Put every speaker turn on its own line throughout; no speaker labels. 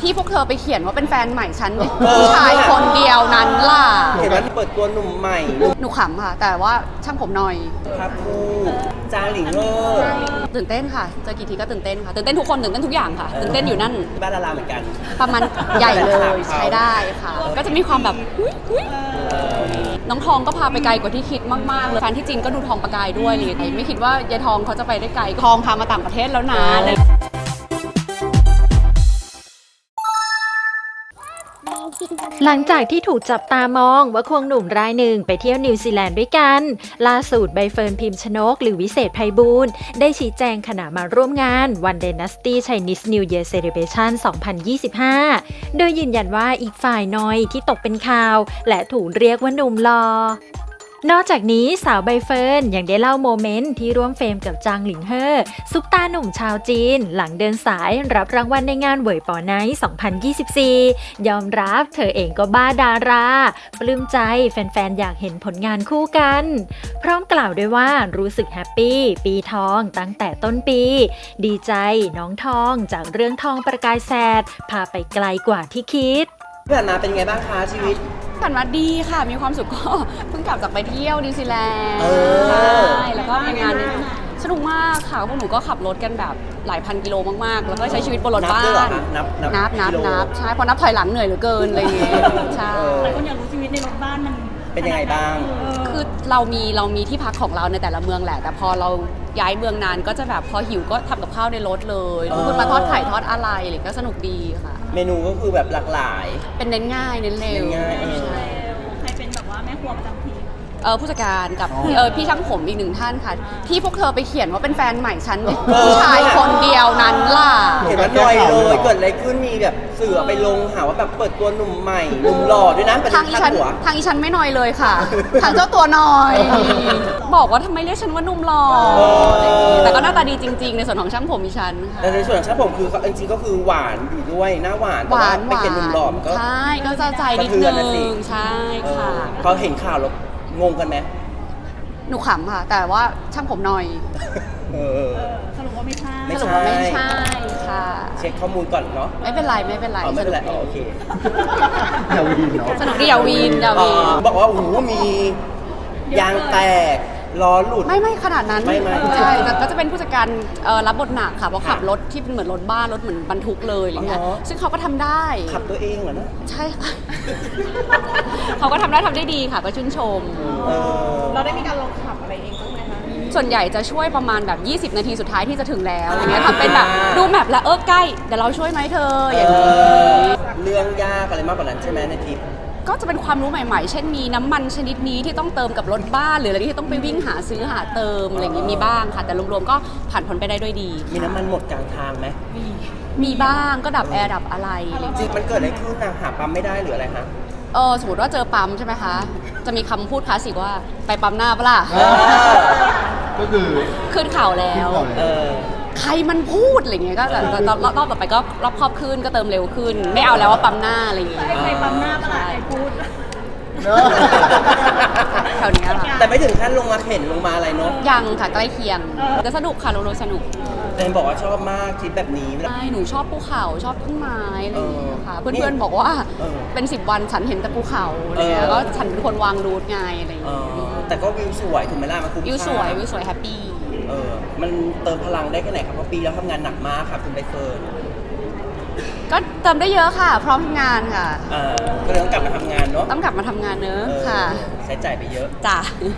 ที่พวกเธอไปเขียนว่าเป็นแฟนใหม่ฉันผู้ชายคนเดียวนั้นล่ะ
เห็นว่าเปิดตัวหนุ่มใหม่
หนูขำค่ะ แต่ว่าช่างผมหน่อย
ครับคู่จางหลิง
ตื่นเต้นค่ะเจอกี่ทีก็ตื่นเต้นค่ะตื่นเต้นทุกคนตื่นเต้นทุกอย่างค่ะตื่นเต้นอยู่นั่น
บ้านดาราเหมือนกัน
ประมาณใหญ่เลยใช้ได้ค่ะก็จะมีความแบบน้องทองก็พาไปไกลกว่าที่คิดมากๆเลยแฟนที่จีนก็ดูทองประกายด้วยเลยไม่คิดว่ายายทองเขาจะไปได้ไกลทองพามาต่างประเทศแล้วนะ
หลังจากที่ถูกจับตามองว่าควงหนุ่มรายหนึ่งไปเที่ยวนิวซีแลนด์ด้วยกันล่าสุดใบเฟิร์นพิมพ์ชนกหรือวิเศษไพบูลย์ได้ชี้แจงขณะมาร่วมงาน One Dynasty Chinese New Year Celebration 2025 โดยยืนยันว่าอีกฝ่ายน้อยที่ตกเป็นข่าวและถูกเรียกว่าหนุ่มหล่อนอกจากนี้สาวใบเฟิร์นยังได้เล่าโมเมนต์ที่ร่วมเฟรมกับจางหลิงเฮ่อซุปตาหนุ่มชาวจีนหลังเดินสายรับรางวัลในงานเหวยป๋อไนท์ 2024 ยอมรับเธอเองก็บ้าดาราปลื้มใจแฟนๆอยากเห็นผลงานคู่กันพร้อมกล่าวด้วยว่ารู้สึกแฮปปี้ปีทองตั้งแต่ต้นปีดีใจน้องทองจากเรื่องทองประกายแสดพาไปไกลกว่าที่คิด
ผ่านมาเป็นไงบ้างคะชีวิต
ผ่านมาดีค่ะมีความสุขก็เพิ่งกลับจากไปเที่ยวนิวซีแลนด์ใช่แล้วก็มีงานสนุกมากค่ะพวกหนูก็ขับรถกันแบบหลายพันกิโลมากๆแล้วก็ใช้ชีวิตบนรถบ้านนับใช่พอนับถอยหลังเหนื่อยเหลือเกินอะไรอย่างเงี้ยใช่
หลายคนอยากรู้ชีวิตในรถบ้านมัน
เป็นยังไงบ้าง
คือเรามีที่พักของเราในแต่ละเมืองแหละแต่พอเราย้ายเมืองนานก็จะแบบพอหิวก็ทำกับข้าวในรถเลยคุณมาทอดไข่ทอดอะไรอะไรก็สนุกดีค่ะ
เมนูก็คือแบบหลากหลาย
เป็นเน้นง่ายเน้นเร็ว
ใครเป็นแบบว่าแม่ครัวประจำที
ผู้จัดการกับพี่ช่างผมอีกหนึ่งท่านค่ะที่พวกเธอไปเขียนว่าเป็นแฟนใหม่ฉันผู้ชายคนเดียวนั้นล่ะ
เห็นว่าหน่อยเลยเกิดอะไรขึ้นมีแบบสื่อไปลงหาว่าแบบเปิดตัวหนุ่มใหม่หนุ่มหล่อด้วยนะ
ทางอีฉันไม่น้อยเลยค่ะทางเจ้าตัวน้อยบอกว่าทำไมเรียกฉันว่าหนุ่มหล่อแต่ก็หน้าตาดีจริงๆในส่วนของช่างผมอีฉัน
แต่ในส่วนของช่างผมคือจริงๆก็คือหวานอยู่ด้วยหน้าหวานไปเป็นหนุ่มหล่อก็
ใช่ก็จะใจนิดนึงใช่ค่ะ
พอเห็นข่าวแล้วงงกันไหม
หนูขำค่ะแต่ว่าช่างผมหน่อย
สรุปว่าไม่ใช่
ค่ะ
เช็คข้อมูลก่อนเนาะ
ไม่เป็นไร
โอเค
อย่าวีนเนาะ
สนุกดีอย่าวีน
บอกว่าโอ้โหมียางแตกล้อหลุด
ไม่ขนาดนั้นใช่แต่ก็จะเป็นผู้จัดการรับบทหนักค่ะเพราะขับรถที่เป็นเหมือนรถบ้านรถเหมือนบรรทุกเลยอะไรเงี้ยซึ่งเขาก็ทำได้
ขับตัวเองเหรอนะ
ใช่ค่ะเขาก็ทำได้ดีค่ะก็ชื่นชม
เราได้มีการลองขับอะไรเองบ้างไหมคะ
ส่วนใหญ่จะช่วยประมาณแบบ20 นาทีสุดท้ายที่จะถึงแล้วอย่างเงี้ยทำเป็นแบบดูแมพแล้วใกล้เดี๋ยวเราช่วยไหมเธออย่างนี้
เรื่องยากอะไรมากกว่านั้นใช่ไหมในทริป
ก็จะเป็นความรู้ใหม่ๆเช่นมีน้ำมันชนิดนี้ที่ต้องเติมกับรถบ้านหรืออะไรที่ต้องไปวิ่งหาซื้อหาเติมอะไรอย่างนี้มีบ้างค่ะแต่รวมๆก็ผ่านพ้นไปได้ด้วยดี
มีน้ำมันหมดกลางทางไหม
มีบ้างก็ดับแอร์ดับอะไร
จริงมันเกิดอะไรขึ้นนะหาปั๊มไม่ได้หรืออะไรคะ
สมมติว่าเจอปั๊มใช่ไหมคะจะมีคำพูดคลาสสิกว่าไปปั๊มหน้าปะล่ะ
ก็คือ
ขึ้นเข่าแล้วใครมันพูดอะไรเงี้ยก็แต่รอบต่อไปก็รอบครอบขึ้นก็เติมเร็วขึ้นไม่เอาแล้วว่าปั๊มหน้าอะไรอย่างเงี้ย
ใครปั๊มหน้าปะล่ะใครพูด
แถวนี้ค่ะ
แต่ไม่ถึงขั้นลงมาเข็นลงมาอะไรเนาะ
ยังค่ะใกล้เคียงแต่สนุกค่ะโรสนุก
แต่บอกว่าชอบมากทริปแบบนี้
ใช่หนูชอบภูเขาชอบต้นไม้อะไรอย่างเงี้ยค่ะเพื่อนๆบอกว่าเป็น10 วันฉันเห็นแต่ภูเขาอะไรเงี้ยก็ฉันเป็นคนวางรูทไงอะไรอย่างเงี้ย
แต่ก็วิวสวยถูกไหมล่ะมันคุ้ม
วิวสวยแฮปปี้
มันเติมพลังได้แค่ไหนครับเพราะปีแล้วทำงานหนักมากค่ะคุณใบเฟิร์น
ก็เติมได้เยอะค่ะพร้อมทำงานค่ะ
ก็เลยต้องกลับมาทำงานเนาะ
ต้องกลับมาทำงานเนอะค่ะ
ใช้จ่ายไปเยอะ
จ้ะ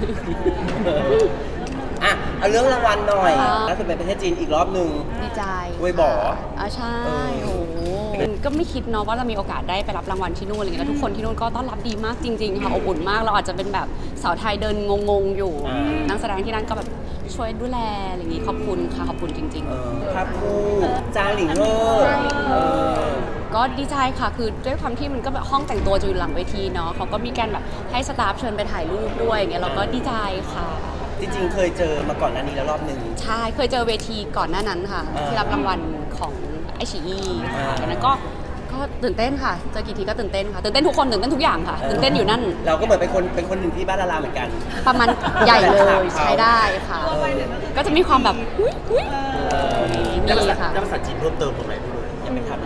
เอาเรื่องรางวัลหน่อยล่าสุดไปประเทศจีนอีกรอบนึง
ดีใจ
เวยบ่อ
ใช่โอ้ก็ไม่คิดเนาะว่าจะมีโอกาสได้ไปรับรางวัลที่นู่นอะไรเงี้ยแล้วทุกคนที่นู่นก็ต้อนรับดีมากจริงๆค่ะอบอุ่นมากเราอาจจะเป็นแบบสาวไทยเดินงงๆอยู่นักแสดงที่นั่นก็แบบช่วยดูแลอะไรอย่างงี้ขอบคุณค่ะขอบคุณจริง
ๆครับคู่จางหลิง
ก็ดีใจค่ะคือด้วยความที่มันก็แบบห้องแต่งตัวจะอยู่หลังเวทีเนาะเขาก็มีการแบบให้สตาฟเชิญไปถ่ายรูปด้วยอย่างเงี้ยเราก็ดีใจค่ะ
จริงๆเคยเจอมาก่อนหน้านี้แล้วรอบนึง
ใช่เคยเจอเวทีก่อนหน้านั้นค่ะที่รับรางวัลของไอชีอีค่ะดังนั้นก็ตื่นเต้นค่ะเจอกี่ทีก็ตื่นเต้นค่ะตื่นเต้นทุกคนตื่นเต้นทุกอย่างค่ะตื่นเต้นอยู่นั่น
เราก็เหมือนเป็นคนหนึ่งที่บ้านดาราเหมือนกัน
ประมาณใหญ่เลยใช้ได้ค่ะก็จะมีความแบบ
มีค่ะ
ภาษาจีนเพิ่มเติมตรงไหนด้วยยังไม่ทำ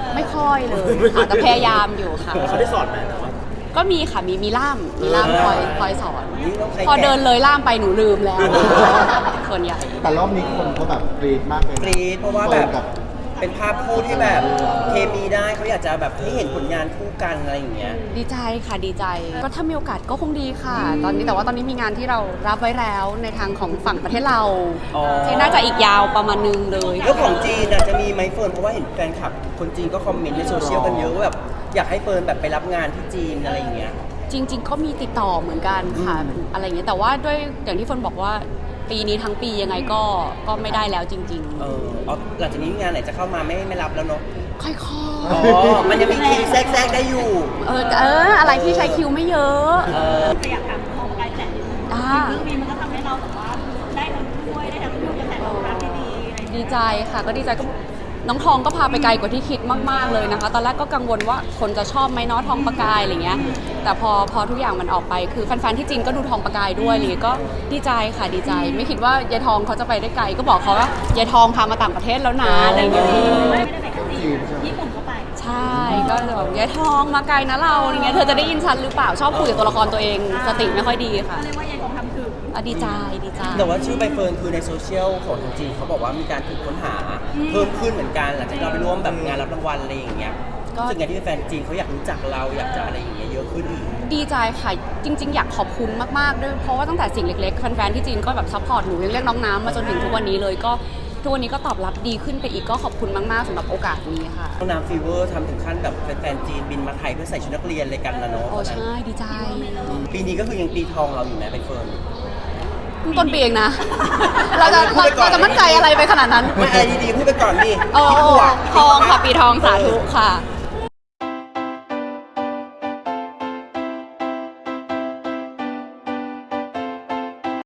ไม่ค่อยเลยค่ะแต่พยายามอยู่ค่ะ
เขาได้สอนไหมแต่ว่า
ก็มีค่ะมีล่ามคอยสอน
นี่ต้องใช้
พอเดินเลยล่ามไปหนูลืมแล้ว ส่วนใหญ่
แต่รอบนี้คนก็แบบกรี๊ดมากเลยนะ
กรี๊ดเพราะว่าแบบ
เปิดกับ
เป็นภาพคู่ที่แบบเคมีได้เขาอยากจะแบบให้เห็นผลงานคู่กันอะไรอย่างเงี้ย
ดีใจค่ะดีใจ ก็ถ้ามีโอกาสก็คงดีค่ะ ตอนนี้แต่ว่าตอนนี้มีงานที่เรารับไว้แล้วในทางของฝั่งประเทศเรา
อ๋อ
ที่น่าจะอีกยาวประมาณนึงเลย
เรื่องของจีนจะมีไหมเฟิร์นเพราะว่าเห็นแฟนคลับคนจีนก็คอมเมนต์ในโซเชียลกันเยอะว่าแบบอยากให้เฟิร์นแบบไปรับงานที่จีนอะไรอย่างเงี้ย
จริง ๆ ก็มีติดต่อเหมือนกันค่ะ อะไรอย่างเงี้ยแต่ว่าด้วยอย่างที่เฟิร์นบอกว่าปีนี้ทั้งปียังไงก็ไม่ได้แล้วจริง
เอาหลังจากนี้งานไหนจะเข้ามาไม่รับแล้วเนาะ
ๆ ค่อย
อ๋อ มันยังมีคิวแทรกได้อยู่
อะไรที่ใช้คิวไม่เยอะ
แต่อยากถามของรายแต่เรื่องนี้มันก็ทำให้เราแบบว่าได้ทั้งช่วยได้ทั้งดูกระแสตอบรับที่ดีอะไรอย่างเงี้ย
ดีใจค่ะก็ดีใจก็น้องทองก็พาไปไกลกว่าที่คิดมากๆเลยนะคะ ตอนแรกก็กังวลว่าคนจะชอบไหมเนาะทองประกายอะไรเงี้ยแต่พอทุกอย่างมันออกไปคือแฟนๆที่จีนก็ดูทองประกายด้วยอะไรเลยก็ดีใจค่ะดีใจ ไม่คิดว่ายายทองเขาจะไปได้ไกลก็บอกเขาว่ายายทองพามาต่างประเทศแล้วนะอะไรอย่างเงี้ย
ไม่ได้ไปแค่จีนญี่ปุ่นก็ไป
ใช่ก็จะแบบยายทองมาไกลนะเราอะไรเงี้ยเธอจะได้ยินฉันหรือเปล่าชอบคุยกับตัวละครตัวเองสติไม่ค่อยดีค่ะ
ก็เรียกว่ายายของทำถึง
ดีใจดีใจ
แต่ว่าชื่อใบเฟิร์นคือในโซเชียลของทางจีนเขาบอกว่ามีการถูกค้นหาเพิ่มขึ้นเหมือนกันหลังจากเราไปร่วมแบบงานรับรางวัลอะไรอย่างเงี้ย
ก็
รู้สึกไงที่แฟนจีนเขาอยากรู้จักเราอยากจะอะไรอย่างเงี้ยเยอะขึ้นอีก
ดีใจค่ะจริง ๆ อยากขอบคุณมากๆด้วยเพราะว่าตั้งแต่สิ่งเล็กๆแฟนๆที่จีนก็แบบซัพพอร์ตหนูยังเรียกน้องน้ำมาจนถึงทุกวันนี้เลยก็ทุกวันนี้ก็ตอบรับดีขึ้นไปอีกก็ขอบคุณมากๆสำหรับโอกาสนี้ค่ะ
น้องน้ำฟีเวอร์ทำถึงขั้นแบบแฟนๆจีนบินมาไทยเพื่อใส่ชุดนักเรียนเลยกันนะเนาะ
โอ้ใช่ดีใจ
ปีนี้ก็คือยังปีทองเราอยู่ไหมใบเฟิร์น
เพิ่งต้นปีเองนะ เราจะมั่นใจอะไรไปขนาดนั้น
ไม่อะไรดีๆพูดไปก่อนดิ
โอ้ทองค่ะปีทองสาธุค่ะ